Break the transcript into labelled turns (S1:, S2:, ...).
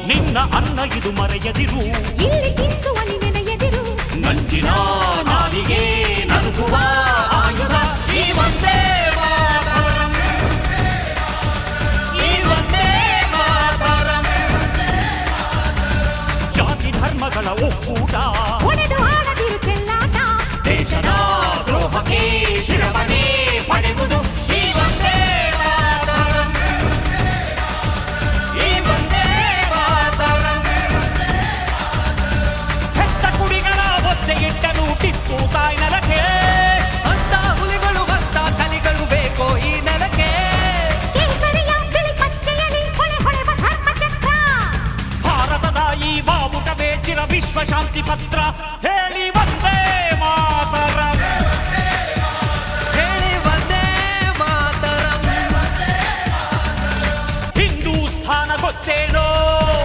S1: ನಿನ್ನ ಅನ್ನ ಇದು ಮರೆಯದಿರು,
S2: ಇಲ್ಲಿ ತಿಂದು ಅಲ್ಲಿ ನೆನೆಯದಿರು.
S1: ನಂಜಿನ ನಾಲಿಗೆ ನರುಗುವ ಆಯುಧ ಈ ಒಂದೇ ಮಾತರಂ, ಈ ಒಂದೇ ಮಾತರಂ. ಜಾತಿ ಧರ್ಮಗಳ ಒಕ್ಕೂಟ
S2: ಹೊಡೆದು ಆಡದಿರು ಚೆಲ್ಲಾಟ.
S1: ದೇಶದ ದ್ರೋಹಕ್ಕೆ ಶಿರವನೇ ಪಡೆಯುವುದು ಈ ಒಂದೇ ಮಾತರಂ, ಈ ಒಂದೇ ಮಾತರಂ. ಹೆತ್ತ ಕುಡಿಗಳ ಒತ್ತೆ ಇಟ್ಟನು ಟಿಪ್ಪು ತಾಯಿ ನೆಲಕ್ಕೆ,
S3: ಅಂತ ಹುಲಿಗಳು ಅಂತ ಕಲಿಗಳು ಬೇಕೋ ಈ ನೆಲಕ್ಕೆ.
S2: ಕೇಸರಿಯ ಬಿಳಿ ಪಚ್ಚೆಯಲಿ ಹೊಳೆ ಹೊಳೆವ ಧರ್ಮಚಕ್ರ.
S1: ಭಾರತದ ಈ ಬಾವುಟವೇ ಚಿರ ವಿಶ್ವ ಶಾಂತಿ ಪತ್ರ. ಹೇಳಿ ಒಂದೇ ಮಾತರಂ.